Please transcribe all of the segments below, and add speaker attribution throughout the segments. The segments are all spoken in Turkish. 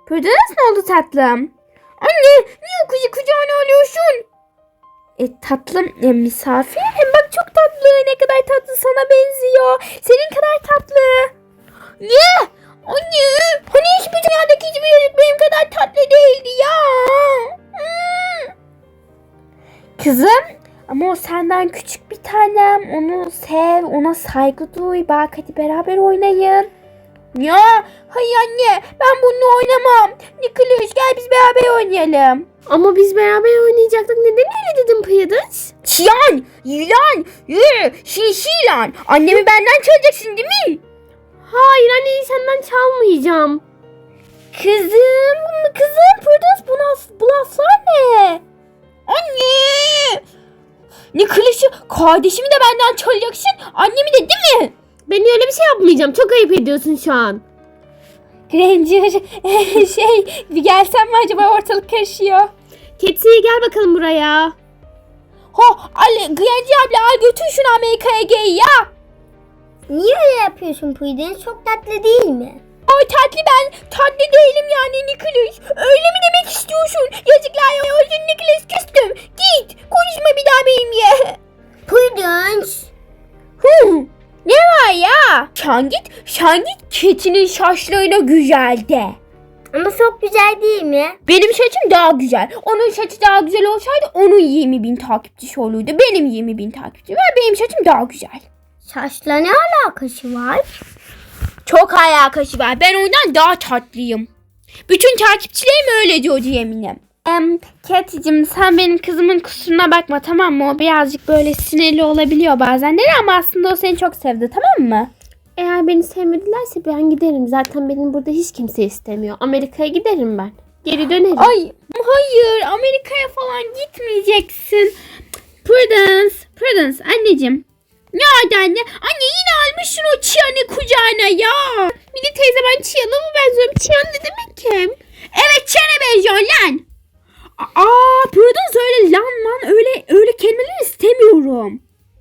Speaker 1: Prudence ne oldu tatlım? Anne niye kızı kucağına alıyorsun? Tatlım misafir. Hem bak çok tatlı. Ne kadar tatlı sana benziyor. Senin kadar tatlı. Ne? Anne. Hani hiçbir dünyadaki hiçbir çocuk benim kadar tatlı değildi ya. Kızım. Ama o senden küçük bir tanem. Onu sev. Ona saygı duy. Bak hadi beraber oynayın. Ya hayır anne ben bununla oynamam. Nicholas gel biz beraber oynayalım.
Speaker 2: Ama biz beraber oynayacaktık. Neden öyle dedin Prudence?
Speaker 1: Çiyan, yılan, şişilan. Annemi benden çalacaksın değil mi?
Speaker 2: Hayır anne senden çalmayacağım.
Speaker 1: Kızım Prudence bu laflar ne? Anne. Nicholas'ı kardeşimi de benden çalacaksın. Annemi de değil mi?
Speaker 2: Ben öyle bir şey yapmayacağım. Çok ayıp ediyorsun şu an.
Speaker 1: Granger bir gelsen mi acaba ortalık karışıyor.
Speaker 2: Ketsi gel bakalım buraya.
Speaker 1: Granger abla al götür şunu Amerika'ya gel ya.
Speaker 3: Niye öyle yapıyorsun Prudence? Çok tatlı değil mi?
Speaker 1: Ay tatlı değilim yani Nicholas. Öyle mi demek istiyorsun? Yazıklar olsun Nicholas küstüm. Git konuşma bir daha benimle.
Speaker 3: Prudence.
Speaker 1: Ne var ya? Şangit keçinin saçlarına güzel de.
Speaker 3: Ama çok güzel değil mi?
Speaker 1: Benim saçım daha güzel. Onun saçı daha güzel olsaydı onun 20.000 takipçisi olurdu. Benim 20.000 takipçim var. Benim saçım daha güzel.
Speaker 3: Saçla ne alakası var?
Speaker 1: Çok alakası var. Ben ondan daha tatlıyım. Bütün takipçilerim öyle diyordu eminim. Cat'cığım sen benim kızımın kusuruna bakma tamam mı? O birazcık böyle sinirli olabiliyor bazenleri ama aslında o seni çok sevdi tamam mı?
Speaker 2: Eğer beni sevmedilerse ben giderim. Zaten benim burada hiç kimse istemiyor. Amerika'ya giderim ben. Geri dönerim.
Speaker 1: Ay hayır Amerika'ya falan gitmeyeceksin. Prudence anneciğim. Ne oldu anne? Anne yine almışsın o Chia'nı kucağına ya.
Speaker 2: Mini teyze ben Chia'na mı benziyorum? Chia ne demek ki?
Speaker 1: Evet Chia'na benziyor lan. Prudence öyle lan öyle kelimeler istemiyorum.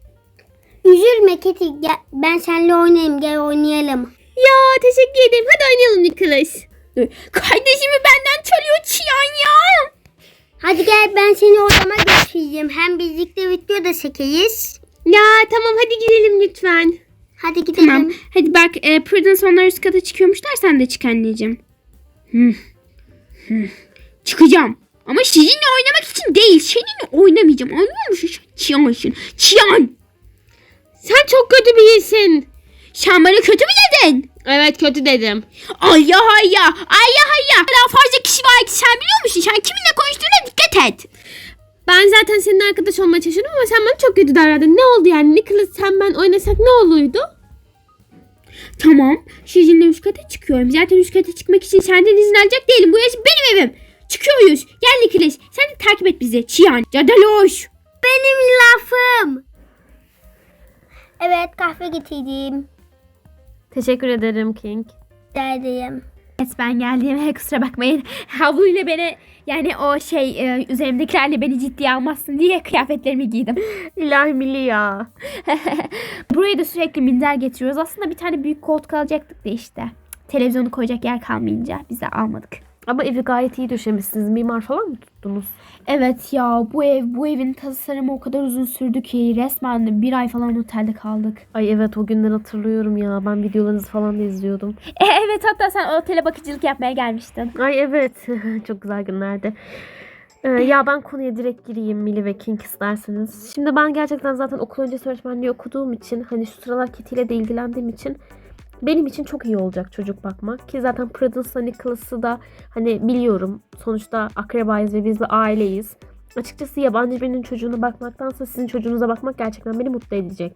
Speaker 3: Üzülme Keti. Gel, ben seninle oynayayım. Gel oynayalım.
Speaker 2: Ya teşekkür ederim. Hadi oynayalım Nicholas.
Speaker 1: Kardeşimi benden çalıyor Chian ya.
Speaker 3: Hadi gel ben seni odama götüreyim. Hem birlikte video da çekeriz.
Speaker 2: Ya tamam hadi gidelim lütfen.
Speaker 3: Hadi gidelim.
Speaker 1: Tamam. Hadi bak Prudence onlar üst kata çıkıyormuşlar sen de çık anneciğim. Çıkacağım. Ama sizinle oynamak için değil. Seninle oynamayacağım. Anlıyor musun? Chian'sın. Chian.
Speaker 2: Sen çok kötü birisin.
Speaker 1: Sen bana kötü mü dedin?
Speaker 2: Evet kötü dedim.
Speaker 1: Ay ya. Daha fazla kişi var ki sen biliyor musun? Sen kiminle konuştuğuna dikkat et.
Speaker 2: Ben zaten seninle arkadaş olmaya çalışıyordum ama sen bana çok kötü davrandın. Ne oldu yani? Nicholas sen ben oynasak ne olurdu?
Speaker 1: Tamam. Sizinle üst kata çıkıyorum. Zaten üst kata çıkmak için senden izin alacak değilim. Burası benim evim. Çıkıyoruz. Gel Nicholas. Sen de takip et bizi. Chian. Cadaloş.
Speaker 3: Benim lafım. Evet kahve getirdim.
Speaker 2: Teşekkür ederim King.
Speaker 3: Derdeyim.
Speaker 1: Evet ben geldiğime kusura bakmayın. Havluyla beni yani o üzerimdekilerle beni ciddiye almazsın diye kıyafetlerimi giydim.
Speaker 2: İlahi milli ya.
Speaker 1: Buraya da sürekli minder getiriyoruz. Aslında bir tane büyük koltuk alacaktık da işte. Televizyonu koyacak yer kalmayınca biz de almadık.
Speaker 2: Ama evi gayet iyi döşemişsiniz. Mimar falan mı tuttunuz?
Speaker 1: Evet ya bu evin tasarımı o kadar uzun sürdü ki resmen bir ay falan otelde kaldık.
Speaker 2: Ay evet o günden hatırlıyorum ya. Ben videolarınızı falan da izliyordum.
Speaker 1: Evet hatta sen otele bakıcılık yapmaya gelmiştin.
Speaker 2: Ay evet. Çok güzel günlerdi. Ya ben konuya direkt gireyim Millie ve King isterseniz. Şimdi ben gerçekten zaten okul öncesi öğretmenliği okuduğum için hani şu sıralar Kitty ile de ilgilendiğim için benim için çok iyi olacak çocuk bakmak. Ki zaten Prudence'la Nicholas'ı da hani biliyorum. Sonuçta akrabayız ve biz bir aileyiz. Açıkçası yabancı birinin çocuğuna bakmaktansa sizin çocuğunuza bakmak gerçekten beni mutlu edecek.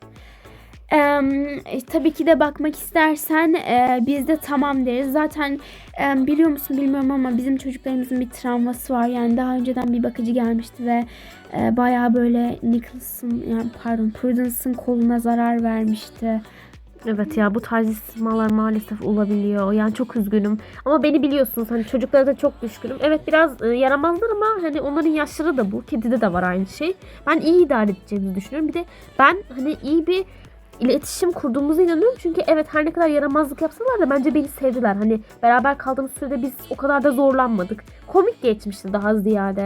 Speaker 1: Tabii ki de bakmak istersen biz de tamam deriz. Zaten biliyor musun bilmiyorum ama bizim çocuklarımızın bir travması var. Yani daha önceden bir bakıcı gelmişti ve bayağı böyle Prudence'ın koluna zarar vermişti.
Speaker 2: Evet ya bu tarz istismarlar maalesef olabiliyor. Yani çok üzgünüm. Ama beni biliyorsunuz hani çocuklara da çok düşkünüm. Evet biraz yaramazlar ama hani onların yaşları da bu. Kedide de var aynı şey. Ben iyi idare edeceğimizi düşünüyorum. Bir de ben hani iyi bir iletişim kurduğumuza inanıyorum. Çünkü evet, her ne kadar yaramazlık yapsalar da bence beni sevdiler. Hani beraber kaldığımız sürede biz o kadar da zorlanmadık. Komik geçmişti daha ziyade.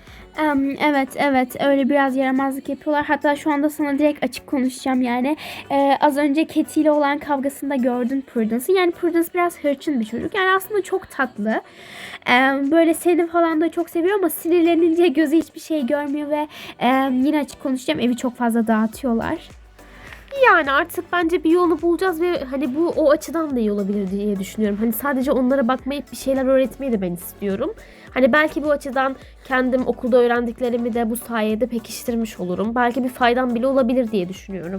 Speaker 1: Evet öyle biraz yaramazlık yapıyorlar. Hatta şu anda sana direkt açık konuşacağım yani. Az önce Katie ile olan kavgasında gördün Prudence'ı. Yani Prudence biraz hırçın bir çocuk. Yani aslında çok tatlı. Böyle seni falan da çok seviyor ama sinirlenince gözü hiçbir şey görmüyor ve yine açık konuşacağım, evi çok fazla dağıtıyorlar.
Speaker 2: Yani artık bence bir yolunu bulacağız ve hani bu o açıdan da iyi olabilir diye düşünüyorum. Hani sadece onlara bakmayıp bir şeyler öğretmeyi de ben istiyorum. Hani belki bu açıdan kendim okulda öğrendiklerimi de bu sayede pekiştirmiş olurum. Belki bir faydam bile olabilir diye düşünüyorum.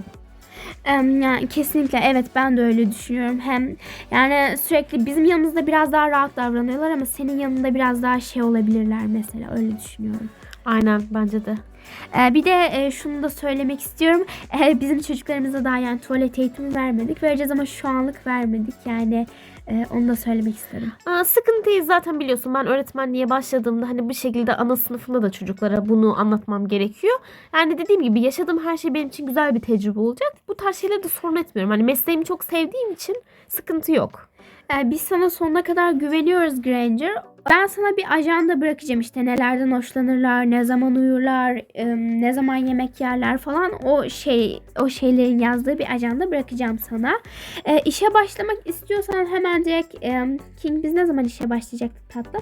Speaker 1: Yani kesinlikle evet, ben de öyle düşünüyorum. Hem yani sürekli bizim yanımızda biraz daha rahat davranıyorlar ama senin yanında biraz daha şey olabilirler mesela, öyle düşünüyorum.
Speaker 2: Aynen, bence de.
Speaker 1: Bir de şunu da söylemek istiyorum. Bizim çocuklarımıza daha yani tuvalet eğitimi vermedik. Vereceğiz ama şu anlık vermedik. Yani onu da söylemek istedim.
Speaker 2: Sıkıntıyı zaten biliyorsun. Ben öğretmenliğe başladığımda hani bu şekilde ana sınıfında da çocuklara bunu anlatmam gerekiyor. Yani dediğim gibi yaşadığım her şey benim için güzel bir tecrübe olacak. Bu tarz şeyleri de sorun etmiyorum. Hani mesleğimi çok sevdiğim için sıkıntı yok.
Speaker 1: Biz sana sonuna kadar güveniyoruz Granger. Ben sana bir ajanda bırakacağım, işte nelerden hoşlanırlar, ne zaman uyurlar, ne zaman yemek yerler falan, o şeylerin yazdığı bir ajanda bırakacağım sana. İşe başlamak istiyorsan hemen direkt King, biz ne zaman işe başlayacaktık tatlım?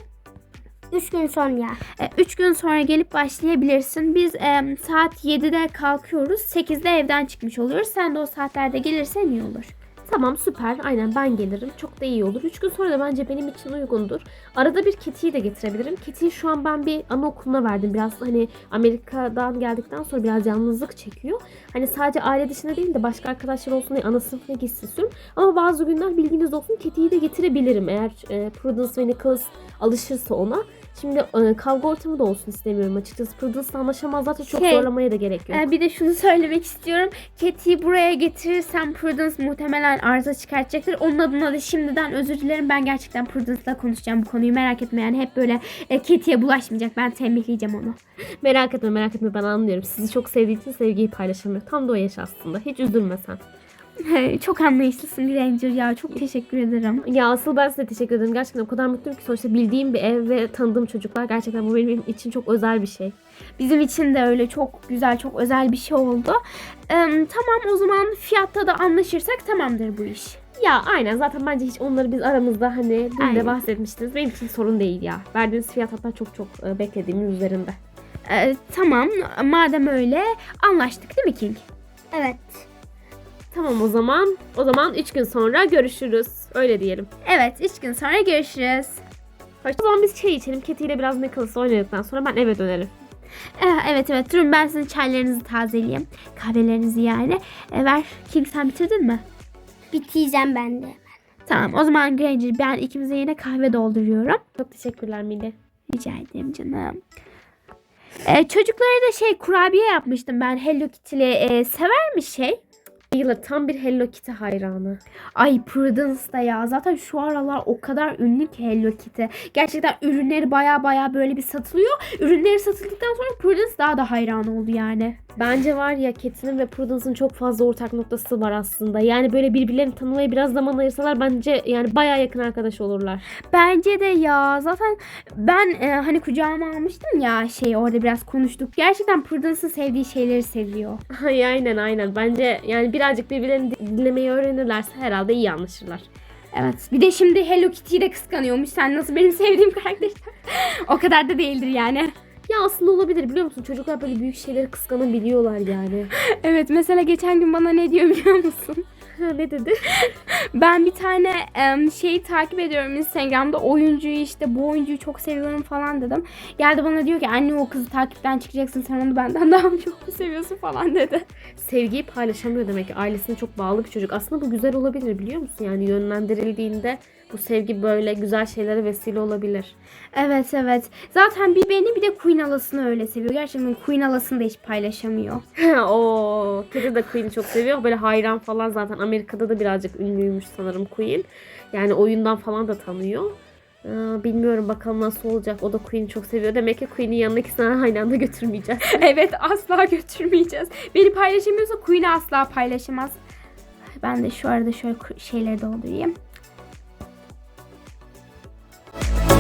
Speaker 3: 3 gün sonra.
Speaker 1: 3 gün sonra gelip başlayabilirsin. Biz saat 7'de kalkıyoruz. 8'de evden çıkmış oluyoruz. Sen de o saatlerde gelirsen iyi olur.
Speaker 2: Tamam, süper. Aynen, ben gelirim. Çok da iyi olur. 3 gün sonra da bence benim için uygundur. Arada bir Katie'yi de getirebilirim. Katie'yi şu an ben bir anaokuluna verdim. Biraz hani Amerika'dan geldikten sonra biraz yalnızlık çekiyor. Hani sadece aile dışında değil de başka arkadaşlar olsun diye ana sınıfına gitsin istiyorum. Ama bazı günler bilginiz olsun, Katie'yi de getirebilirim. Eğer Prudence ve Nicholas alışırsa ona. Şimdi kavga ortamı da olsun istemiyorum açıkçası. Prudence'la anlaşamazlar da çok zorlamaya da gerek yok.
Speaker 1: Bir de şunu söylemek istiyorum. Katie'yi buraya getirirsem Prudence muhtemelen arıza çıkartacaktır. Onun adına da şimdiden özür dilerim. Ben gerçekten Prudence'la konuşacağım bu konuyu. Merak etme yani, hep böyle Katie'ye bulaşmayacak. Ben tembihleyeceğim onu.
Speaker 2: Merak etme, ben anlıyorum. Sizi çok sevdiği için sevgiyi paylaşamıyor. Tam da o yaş aslında. Hiç üzülme sen.
Speaker 1: Çok anlayışlısın Granger ya. Çok teşekkür ederim.
Speaker 2: Ya asıl ben size teşekkür ederim. Gerçekten o kadar mutluyum ki sonuçta bildiğim bir ev ve tanıdığım çocuklar. Gerçekten bu benim için çok özel bir şey.
Speaker 1: Bizim için de öyle çok güzel, çok özel bir şey oldu. Tamam, o zaman fiyatta da anlaşırsak tamamdır bu iş.
Speaker 2: Ya aynen, zaten bence hiç onları biz aramızda hani dün de
Speaker 1: Aynen.
Speaker 2: bahsetmiştiniz. Benim için sorun değil ya. Verdiğiniz fiyat hatta çok beklediğimin üzerinde.
Speaker 1: Tamam, madem öyle anlaştık değil mi King?
Speaker 3: Evet.
Speaker 2: Tamam o zaman. O zaman 3 gün sonra görüşürüz. Öyle diyelim.
Speaker 1: Evet, 3 gün sonra görüşürüz.
Speaker 2: O zaman biz çay içelim. Katie ile biraz Nicholas oynadıktan sonra ben eve dönerim.
Speaker 1: Evet, durun ben sizin çaylarınızı tazeleyeyim. Kahvelerinizi yani. Ver King, sen bitirdin mi?
Speaker 3: Bitireceğim ben de.
Speaker 1: Tamam, o zaman Granger, ben ikimize yine kahve dolduruyorum.
Speaker 2: Çok teşekkürler Mili.
Speaker 1: Rica ederim canım. Çocuklara da kurabiye yapmıştım ben, Hello Kitty'li. Sever mi şey?
Speaker 2: Yıla tam bir Hello Kitty hayranı.
Speaker 1: Ay Prudence da ya. Zaten şu aralar o kadar ünlü ki Hello Kitty. Gerçekten ürünleri baya böyle bir satılıyor. Ürünleri satıldıktan sonra Prudence daha da hayran oldu yani.
Speaker 2: Bence var ya, Katie'nin ve Prudence'ın çok fazla ortak noktası var aslında. Yani böyle birbirlerini tanımaya biraz zaman ayırsalar bence yani bayağı yakın arkadaş olurlar.
Speaker 1: Bence de ya. Zaten ben hani kucağıma almıştım ya, orada biraz konuştuk. Gerçekten Prudence'ın sevdiği şeyleri seviyor.
Speaker 2: Ay aynen. Bence yani birazcık birbirlerini dinlemeyi öğrenirlerse herhalde iyi anlaşırlar.
Speaker 1: Evet. Bir de şimdi Hello Kitty'yi de kıskanıyormuş. Sen nasıl benim sevdiğim karakter? O kadar da değildir yani.
Speaker 2: Ya aslında olabilir, biliyor musun? Çocuklar böyle büyük şeyleri kıskanabiliyorlar yani.
Speaker 1: Evet, mesela geçen gün bana ne diyor biliyor musun?
Speaker 2: Ne dedi?
Speaker 1: Ben bir tane takip ediyorum Instagram'da, oyuncuyu, işte bu oyuncuyu çok seviyorum falan dedim. Geldi bana diyor ki anne, o kızı takipten çıkacaksın, sen onu benden daha çok mu seviyorsun falan dedi.
Speaker 2: Sevgiyi paylaşamıyor demek ki, ailesine çok bağlı bir çocuk. Aslında bu güzel olabilir, biliyor musun? Yani yönlendirildiğinde bu sevgi böyle güzel şeylere vesile olabilir.
Speaker 1: Evet. Zaten bir beni bir de Queen Alas'ını öyle seviyor. Gerçekten Queen Alas'ını da hiç paylaşamıyor.
Speaker 2: O kedi de Queen'i çok seviyor. Böyle hayran falan, zaten Amerika'da da birazcık ünlüymüş sanırım Queen. Yani oyundan falan da tanıyor. Bilmiyorum bakalım nasıl olacak. O da Queen'i çok seviyor. Demek ki Queen'in yanına ikisini aynı anda götürmeyeceğiz.
Speaker 1: Evet, asla götürmeyeceğiz. Beni paylaşamıyorsa Queen'i asla paylaşamaz. Ben de şu arada şöyle şeyleri doldurayım.